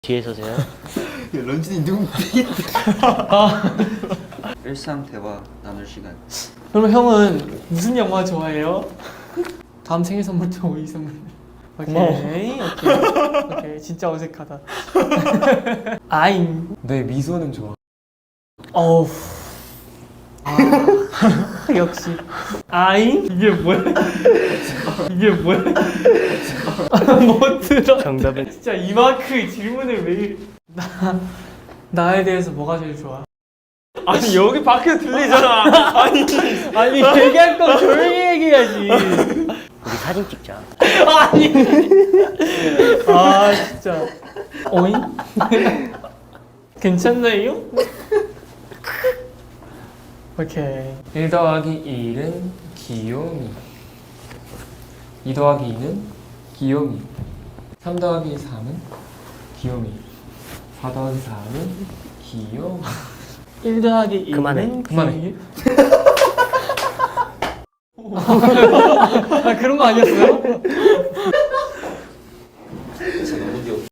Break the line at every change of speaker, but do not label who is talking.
뒤에 서세요.
런쥔이 누구 일상 대화 나눌 시간.
그럼 형은 무슨 영화 좋아해요? 다음 생일 선물도 오이 선물. 오케이. 오케이. 진짜 어색하다. 아잉.
내 미소는 좋아.
어우. 아, 역시. 아잉? 이게 뭐야? 이게 뭐야? 못 들어.
정답은
진짜 이 마크 질문을 왜 나에 대해서 뭐가 제일 좋아?
아니 여기 밖에 들리잖아.
아니 얘기할 거 조용히 얘기해야지.
우리 사진 찍자.
아니. 아 진짜. 어잉? 괜찮나요? 오케이.
1 더하기 1은 귀요미. 2 더하기 2는 귀요미. 3 더하기 3은 귀요미. 4 더하기 4는 귀요미.
1 더하기 2는
그만해.
그만해.
아 그런 거 아니었어요?